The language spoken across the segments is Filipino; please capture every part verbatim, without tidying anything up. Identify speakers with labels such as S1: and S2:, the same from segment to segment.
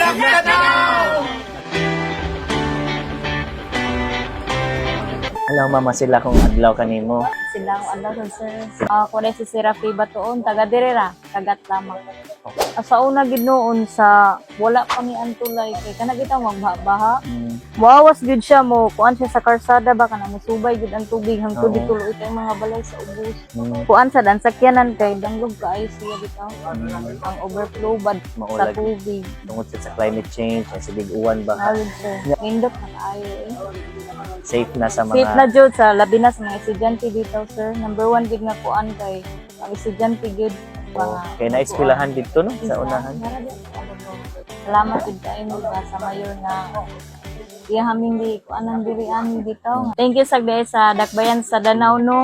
S1: Hello, mama sila kung adlaw kanimo.
S2: Sila ang ano sir. Ah, uh, si Serafi Batuon, taga direra, tagat lamang. Uh, sa una gid noon sa wala pa ni Antulay kay kana kita magbaha.
S1: Mm.
S2: Wawas gid siya mo, kuan siya sa karsada ba kana musubay gid ang tubig hangtod
S1: Oo.
S2: dituloy kay mga balay sa ubos.
S1: Mm.
S2: Kuan sa dan sakyanan kay danglog kaayo siya bitaw.
S1: Mm.
S2: Ang overflow bad sa
S1: Maulag.
S2: tubig.
S1: Tungod sa climate change, sa big-uwan ba?
S2: Hawid sir. Nindot na kaayo eh.
S1: Safe na sa mga...
S2: Safe na jud sa labi na sa mga estudyante dito sir. Number one gid nga kuan kay ang estudyante gid.
S1: Oh, kaya na-eskwelahan dito no sa unahan.
S2: Salamat gid kay mo ba sa mayor na iya haming di kuan ang dirian dito. Thank you sa sa Dakbayan sa Danau no.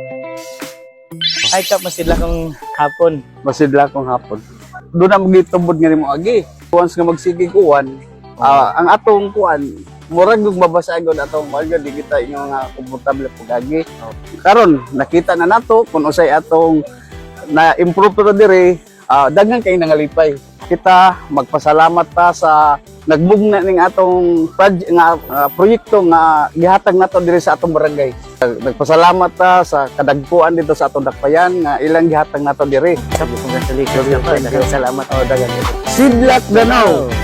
S1: Ay ka mas sila kung hapon.
S3: Masidla kong hapon. Doon na magitubod nga mo agi. Once nga magsigig uwan, ah, ang atong kuan, murag yung mabasagon atong kuan di kita inyo nga komportable pug agi. Karon nakita na nato kung usay atong na improve to dire, ah, daghan kay nangalipay. Kita magpasalamat ta sa nagbugna ning atong project nga ah, proyekto nga gihatag nato dire sa atong barangay. Nagpasalamat ta sa kadagpuan dito sa atong Dakbayan nga ilang gihatag nato dire.
S1: Congratulations ka pa. Salamat.
S3: Oh, dagan. Sidlak Danau.